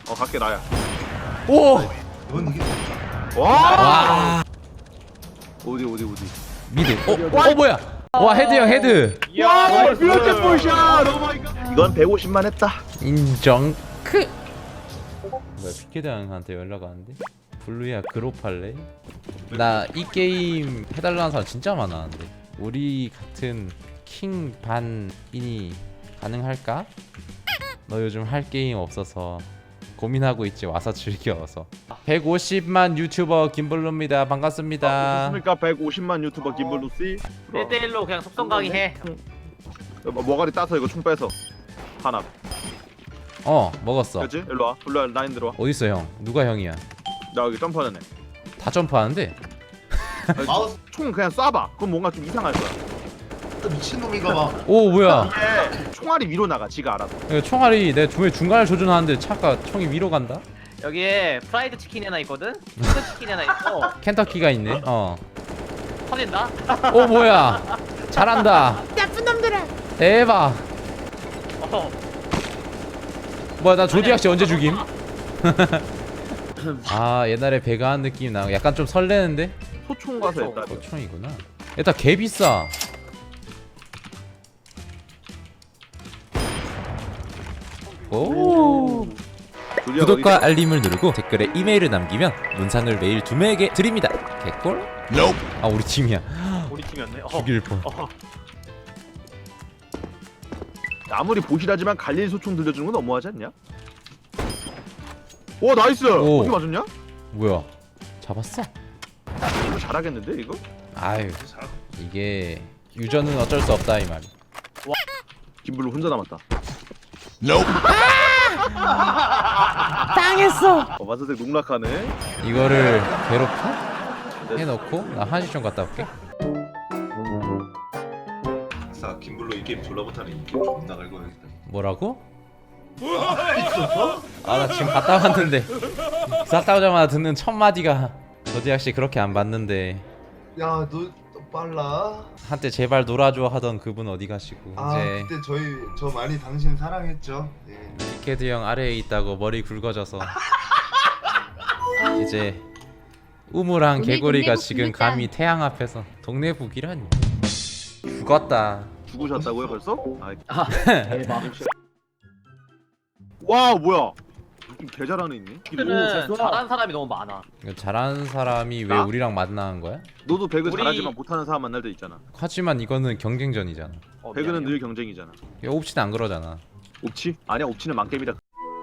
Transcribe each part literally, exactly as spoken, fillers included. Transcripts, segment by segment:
어 갈게 나야. 오! 넌 이게 와. 와! 어디 어디 어디. 미드. 어, 어 뭐야? 와 헤드 형 헤드. 와 뷰티풀 샷. 오 마이 갓. 이건 백오십만 했다. 인정. 크. 뭐야 피케드 형한테 연락 왔는데? 블루야 그룹 할래? 나 이 게임 해달라는 사람 진짜 많았는데 우리 같은 킹 반인이 가능할까? 너 요즘 할 게임 없어서 고민하고 있지 와서 즐겨서. 백오십만 유튜버 김블루입니다. 반갑습니다. 무슨입니까 백오십만 유튜버 김블루 씨. 일 대 일로 그냥 속성 강의해. 머가리 따서 이거 총 빼서 하나. 어 먹었어. 그렇지? 일로 와. 블루야 라인 들어와. 어딨어 형? 누가 형이야? 나 여기 점프하는 애. 다 점프하는데? 마우스 총 그냥 쏴봐. 그럼 뭔가 좀 이상할 거야. 미친놈인가 봐. 오 뭐야? 이게 총알이 위로 나가. 지가 알아서. 이거 총알이 내 중에 중간을 조준하는데 차가 총이 위로 간다? 여기에 프라이드 치킨이 하나 있거든. 치킨 치킨이 하나 있어. 켄터키가 있네. 어. 터진다. 오 뭐야? 잘한다. 나쁜 놈들아. 대박. 어. 뭐야 나 조디악 씨 언제 죽임? 아 옛날에 배가한 느낌 나. 약간 좀 설레는데? 소총 가서 했다. 어 총이구나. 일단 개 비싸. 오. 구독과 알림을 누르고 댓글에 이메일을 남기면 문상을 매일 두 명에게 드립니다. 개꿀? 아 우리 팀이야. 우리 팀이었네. 어. 죽일 뻔. 어. 아무리 보시라지만 갈릴 소총 들려주는 건 너무하지 않냐? 오 나이스. 오. 어디 맞았냐? 뭐야? 잡았어? 이거 잘하겠는데 이거? 아유 이게 유저는 어쩔 수 없다 이 말. 김블루 혼자 남았다. 당했어. 어, 마사색 농락하네. 이거를 괴롭혀? 해놓고 나 한시 좀 갔다 올게. 아싸 김블루 이 게임 졸라 못하네. 이 게임 존나 갈거야겠다. 뭐라고? 아 나 지금 갔다 왔는데 갔다 오자마자 듣는 첫 마디가 조디악 씨 그렇게 안 봤는데 야너 빨라. 한때 제발 놀아줘 하던 그분 어디 가시고 아 이제 그때 저희 저 많이 당신 사랑했죠. 네. 피케드 형 아래에 있다고 머리 굵어져서 이제 우무랑 동네 개구리가 동네북 지금 부르자. 감히 태양 앞에서 동네북이라니. 죽었다. 죽으셨다고요 벌써? 아, 대박. 와 뭐야? 좀 개잘하는 있네. 는 잘하는 사람이 너무 많아. 이거 잘하는 사람이 왜 나? 우리랑 만나는 거야? 너도 배그 우리- 잘하지만 못하는 사람 만날 때 있잖아. 하지만 이거는 경쟁전이잖아. 어, 배그는 미안해요. 늘 경쟁이잖아. 옵치는 안 그러잖아. 옵치? 아니야 옵치는 망게임이다.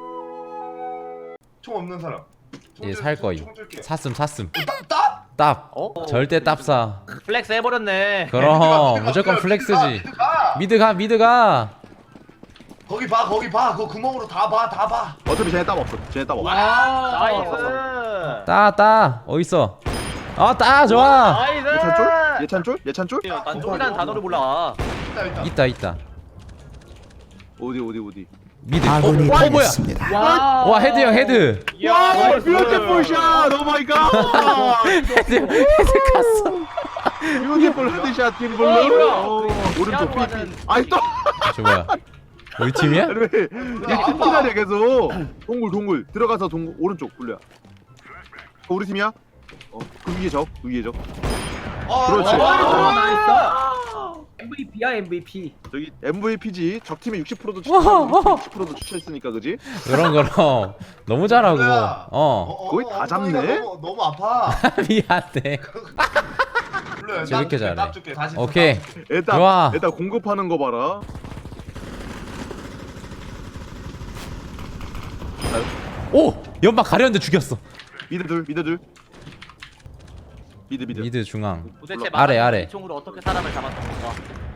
총 없는 사람. 총 얘 줄- 살 총- 거임. 총 줄게. 샀음 샀음. 따 따. 답. 어? 절대 답 사. 플렉스 해버렸네. 그럼 무조건 플렉스지. 미드 가 미드 가. 거기 봐 거기 봐. 그 구멍으로 다 봐 다 봐. 어차피 쟤네 땀 없어. 쟤네 땀 없어. 나이스. 따 따. 어디 있어? 아 따 좋아. 나이스. 예찬쫄? 예찬쫄? 예찬쫄? 난 쫄이라는 단어를 몰라. 있다 있다. 있다 있다. 어디 어디 어디? 미드. 어, 어 뭐야? 와. 와 헤드 형 헤드. 야, 뷰티풀 샷! 오 마이 갓! 헤드 헤드 갔어. 뷰티풀 헤드샷 김블루. 어, 뭐야? 어, 오른쪽 피아노 삐삐. 하는- 아이 또. 저 뭐야? 우리 팀이야? 아니 왜? 이게 팀키라냐 계속. 동굴 동굴 들어가서 동굴 오른쪽 굴려. 어, 우리 팀이야? 어, 그 위에 적, 그 위에 적. 어, 그렇지. 어, 어, 나이스. 엠브이피야 엠브이피. 저기 엠브이피지. 적 팀이 육십 퍼센트도 와우. 추천했고 육십 퍼센트도 추천했으니까 그지? 그럼 그럼 너무 잘하고. 블루야. 어. 어, 거의 어, 다 어, 잡네. 너무, 너무 아파. 미안해. 블루야, 쟤왜 이렇게 땀 줄게, 잘해? 땀 줄게. 다시 또 오케이. 땀 줄게. 일단 좋아. 일단 공급하는 거 봐라. 오 연막 가렸는데 죽였어. 미드 둘, 미드 둘. 미드 미드. 미드 중앙. 도대체 아래, 아래. 이 총으로 어떻게 사람을 잡았던 건가?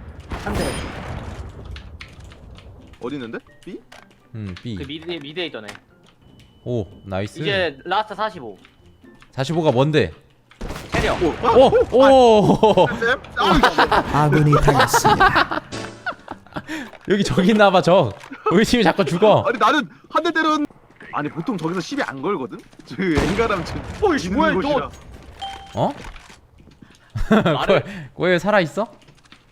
어디 있는데? B? 음 B. 그 미드에 미드에 있던 애. 오 나이스. 이제 라스트 사십오. 사십오가 뭔데? 체력. 오. 아, 오 오. 쌤? 아, 아군이 당했습니다. 여기 저기 있나봐 저. 우리 팀이 자꾸 죽어. 아니 나는 한 대 때렸. 아니 보통 저기서 시비 안 걸거든. 저 엔가람 지금. 어이씨, 뭐야, 곳이라. 어? 말을- 꼬에 살아 있어?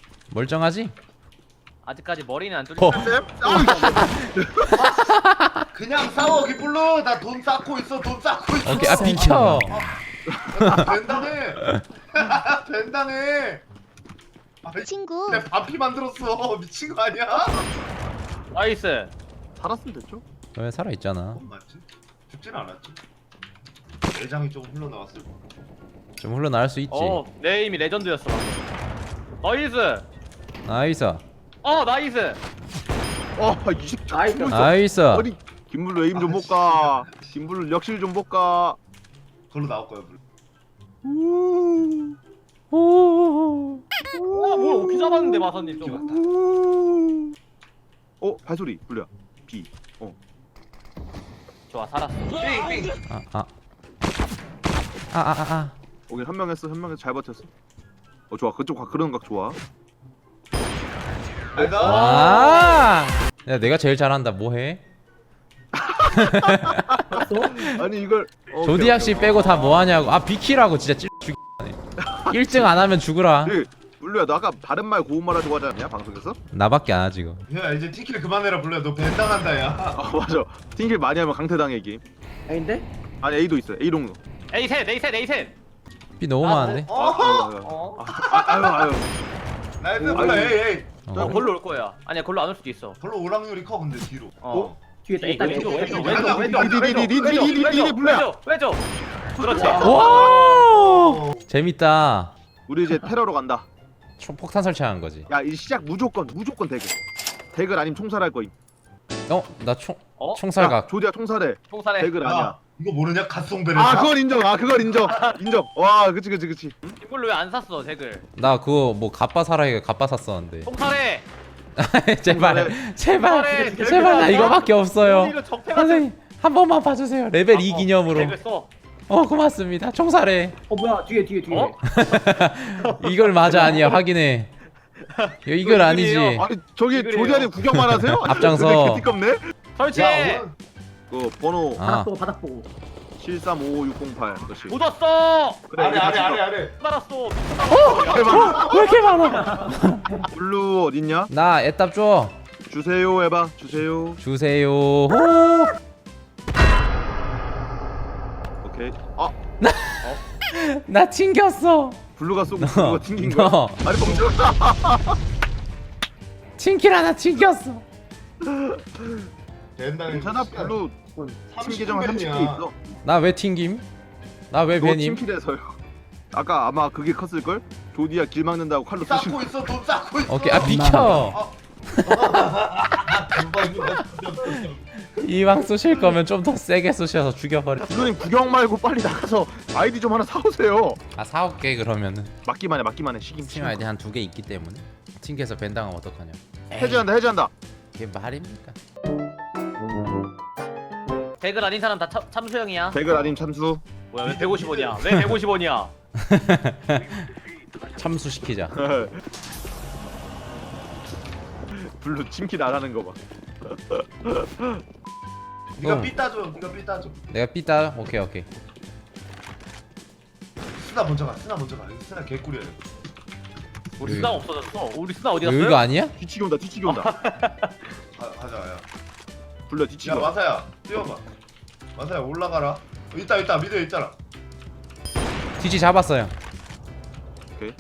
멀쩡하지? 아직까지 머리는 안 뚫린. 어. 쌤? 아, 그냥 싸워 기블루. 나 돈 쌓고 있어. 돈 쌓고 있어. 오케이 아 비켜. 된다네. 된다네. 아, 친구 내 반피 만들었어. 미친 거 아니야? 나이스. 살았으면 됐죠. 왜 살아 있잖아. 뭔 맞지? 죽진 않았지. 내장이 좀 흘러나왔을 거. 좀 흘러나올 수 있지. 어, 내 이미 레전드였어. 나이스. 나이스. 어, 나이스. 어이 새끼 나이스. 나이스. 아니 김블루 에임 좀 볼까. 김블루 역실 좀 볼까. 걸로 나올 거야. 블루. 우. 오. 와, 뭐야, 오키 잡았는데 마선님 좀. 우. 어 발소리 블루야. B. 어. 좋아, 살았어. 삥삥. 아 아. 아 아 아. 아. 오케이 한 명 했어 한 명 했어 잘 버텼어. 어 좋아 그쪽 각 그런 각 좋아. 내가 아. 야 내가 제일 잘한다. 뭐해? 아니 이걸 어, 조디악 씨 빼고 다 뭐하냐고. 아 비키라고 진짜 찔 죽이네. 일 등 안 하면 죽으라. 네, 블루야 너 아까 바른 말 고운 말 하자고 하지 않냐 방송에서? 나밖에 안 하지 이거. 야 이제 티킬 그만해라 블루야. 너 벤당한다 야. 아 맞아. 팅길 많이 하면 강태당해 게임. 아닌데? 아니 A도 있어 A롱. 에이 셋, 에이 셋, 에이 셋. 비 너무 아, 많은데. 어? 어? 아, 아유 아유. 나이스 오, 블루. 아이고. 에이 에이. 어, 골로 올 거야. 아니야, 골로 안 올 수도 있어. 별로 오락률이 커 근데 뒤로. 어. 뒤에 에이, 있다. 왼쪽, 있다. 왼쪽, 있다. 왼쪽, 왼쪽, 리드, 리드, 리드, 왼쪽, 리드, 리드, 왼쪽, 리드, 블루야. 왼쪽, 왼쪽. 그렇지. 와. 재밌다. 우리 이제 테러로 간다. 총 폭탄 설치한 거지. 야 이 시작 무조건 무조건 대글. 대글 아니면 총살할 거임. 어? 나 총 어? 야, 총살각. 조디야 총살해. 총살해. 대글 아니야. 야 이거 모르냐? 갓송베르. 아 그건 인정. 아 그건 인정. 인정. 와 그치 그치 그치. 이걸로 왜 안 샀어, 덱을? 나 그거 뭐 갑바 사라이가 갑바 샀었는데. 총살해. 제발 제발 총살해. 제발 나 이거밖에 없어요. 이거 적폐가 선생님 한 번만 봐주세요. 레벨 아, 이 어, 기념으로. 덱을 써. 어 고맙습니다. 총살해. 어 뭐야 뒤에 뒤에 뒤에. 어? 이걸 맞아 아니야 확인해. 이거 이걸 아니지. 이글이에요. 아니 저기 이글이에요. 조디한테 구경만 하세요? 아니, 앞장서. 근데 개띠껍네. 설치해. 야 그 번호 아. 바닥 보고 바닥 보고. 칠삼오오육공팔. 그렇지. 묻었어. 그래, 아래 이거 아래 찍어. 아래 아래. 알았어. 왜 이렇게 많아? 블루 어딨냐? 나 애답 줘. 주세요 해봐. 주세요. 주세요. 호. 오케이. 아 나 튕겼어. 블루가 쏘고 너, 블루가 튕긴 거야. 너. 아니 멈춰. 팅킬 하나 튕겼어. 된다. 괜찮아 블루 팀 계정 삼십 개 있어. 나 왜 튕김? 나 왜 너 배님? 팀킬에서요. 아까 아마 그게 컸을 걸? 조디야 길 막는다고 칼로 쑤신 쌓고 거. 있어. 돈 쌓고 있어. 오케이 아 비켜. 이왕 쏘실 거면 좀 더 세게 쏘셔서 죽여버려. 블루님 구경 말고 빨리 나가서 아이디 좀 하나 사오세요. 아 사올게 그러면은. 맞기만 해 맞기만 해 시김 스팀 아이디 한 두 개 있기 때문에. 튕겨서 벤당하면 어떡하냐. 해제한다 해제한다. 그게 말입니까? 덱을 아닌 사람 다 참, 참수형이야. 백을 아님 참수. 뭐야, 왜 백오십 원이야? 왜 백오십 원이야? 참수시키자. 블루 침킬 안 하는 거 봐. 네가 어. 삐 따줘. 네가 삐 따줘. 내가 삐따. 오케이 오케이. 스나 먼저 가. 스나 먼저 가. 이거 스나 개꿀이야. 이거. 우리 여기. 수나 없어졌어. 우리 수나 어디 이거 갔어요? 이거 아니야? 뒤치기 온다 뒤치기 온다. 가, 가자 야. 블루 뒤치기 야 온다. 마사야 뛰어봐. 마사야 올라가라. 어, 있다 있다 미드에 있잖아. 뒤지 잡았어요. 오케이.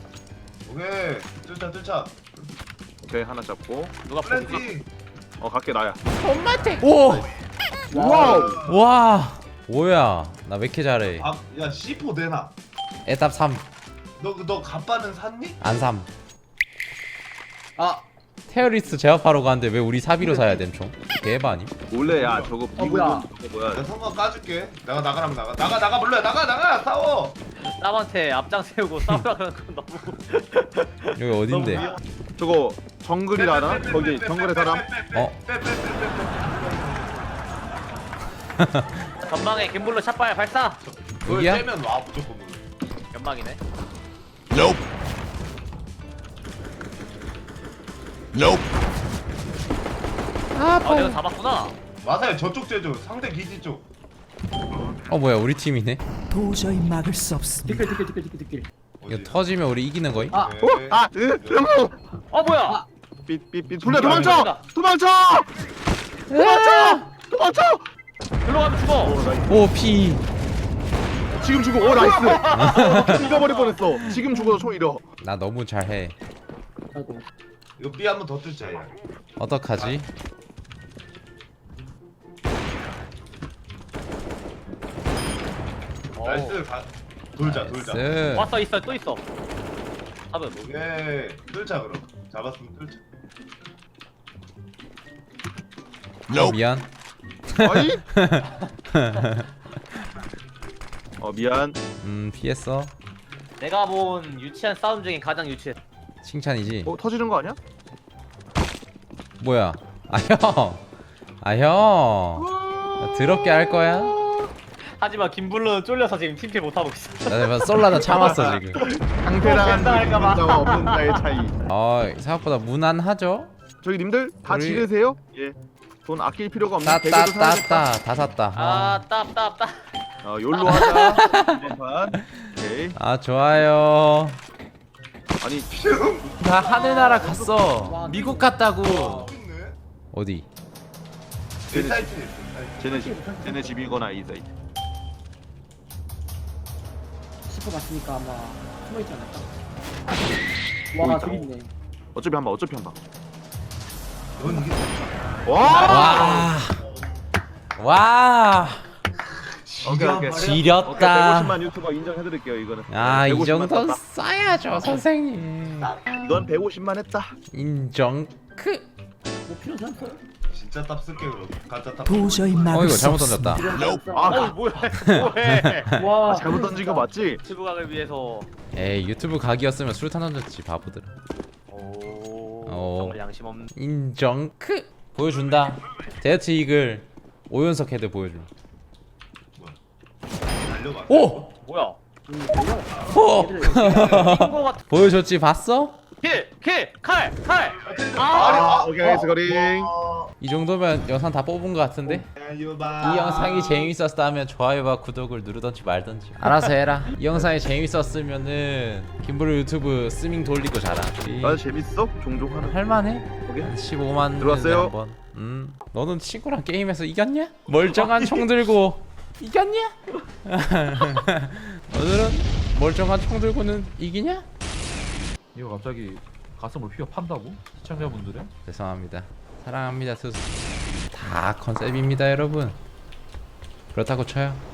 뚫자 뚫자. 오케이 하나 잡고. 누가 포기? 플랜팅. 어 갈게 나야. 오! 와우. 와! 뭐야? 나 왜 이렇게 잘해? 아야 씨 포 내놔. 에답 삼. 너너 갑바는 샀니? 안 삼. 아 테러리스트 제압하러 가는데 왜 우리 사비로 사야 됨 총? 대박 아님? 원래 야 저거 어, 뭐야. 비고 뭐야. 내가 성광 까줄게. 나가 나가라면 나가. 나가 나가 불러야 나가 나가 싸워. 남한테 앞장 세우고 싸우라 그러는 건 너무 여기 어딘데? 너무 저거 정글이라나? 거기 정글의 사람? 어? 전방에 김블루 샷발 발사. 그걸 여기야? 째면 와 무조건. 오늘. 연막이네. 아, 아, 내가 잡았구나. 마사야 저쪽 째줘. 상대 기지 쪽. 어 뭐야 우리 팀이네? 도저히 막을 수 없습니다. 뒷길 뒷길 뒷길 뒷길 뒷길. 이거 터지면 우리 이기는 거임? 아 오케이. 아, 으, 영웅! 어 뭐야? 삐삐삐 돌려 도망쳐! 도망쳐! 도망쳐! 맞춰. 일로 가면 죽어. 어 나이스. 오 피. 지금 죽어. 어 나이스. 죽어버릴 뻔했어. 지금 죽어서 총 잃어. 나 너무 잘해. 나도. 이거 B 한 번 더 뚫자 야. 어떡하지? 나이스. 가, 돌자 돌자. 나이스. 왔어 있어 또 있어. 잡음. 오케이. 뚫자 그럼. 잡았으면 뚫자. 어, 미안. 아이. 어 미안. 음 피했어. 내가 본 유치한 싸움 중에 가장 유치해. 칭찬이지. 어 터지는 거 아니야? 뭐야? 아 형. 아 형. 나 더럽게 할 거야? 하지만 김블루는 쫄려서 지금 팀킬 못하고 있어. 나 지금 솔라도 참았어 지금. 강태랑한 할까봐. 자와 없는 자의 차이. 어 생각보다 무난하죠? 저기 님들 다 우리- 지르세요. 예. 돈 아낄 필요가 없는 대게도 사야겠다. 따따따따 다 샀다. 아 어. 따따따. 어 욜로 하자. 이번 판. 오케이. 아 좋아요. 아니 나 하늘나라 갔어. 미국 갔다고. 있네. 어디? 내 쟤네 사이트. 집, 쟤네 집, 쟤네 집이거나 이 사이트. 슈퍼 봤으니까 아마 숨어있지 않을까? 뭐 와 있다. 저기 있네. 어차피 한 방, 어차피 한 방. 넌 이게 와! 와. 와. 오케이 오케이. 오케이 지렸다. 백오십만 유튜버 인정해드릴게요 이거는. 아 이 백오십만 정도는 썼다. 써야죠 선생님. 이건 백오십만 했다. 인정. 크. 뭐 필요하지 않어? 진짜 탑 쓸게 그럼. 가짜 탑. 도저히 어 막을 이거 수 잘못 없습니다. 던졌다. 아, 어 뭐야 뭐해. 와 아, 잘못 던진 거 맞지? 유튜브각을 위해서. 에이 유튜브 각이었으면 술탄 던졌지 바보들. 오. 오. 정말 양심 없는. 인정. 크. 보여준다. 데이트 이글 오연석 헤드 보여줘. 달려봐. 오. 뭐야? 음, 달려. 호. 인거 같은. 보여줬지 봤어? 킬! 킬! 칼! 칼! 아, 오케이 스거링. 이 정도면 영상 다 뽑은 것 같은데? 달려봐. 이 영상이 재밌었다면 좋아요와 구독을 누르던지 말던지 알아서 해라. 이 영상이 재밌었으면은 김블루 유튜브 스밍 돌리고 자라. 나 재밌어? 종종 하는. 할만해? 오케이. 십오만 들어왔어요? 한번. 음. 너는 친구랑 게임에서 이겼냐? 멀쩡한 총 들고 이겼냐? 오늘은 멀쩡한 총 들고는 이기냐? 이거 갑자기 가슴을 휘어 판다고? 시청자분들의? 죄송합니다. 사랑합니다 투수. 다 컨셉입니다 여러분. 그렇다고 쳐요.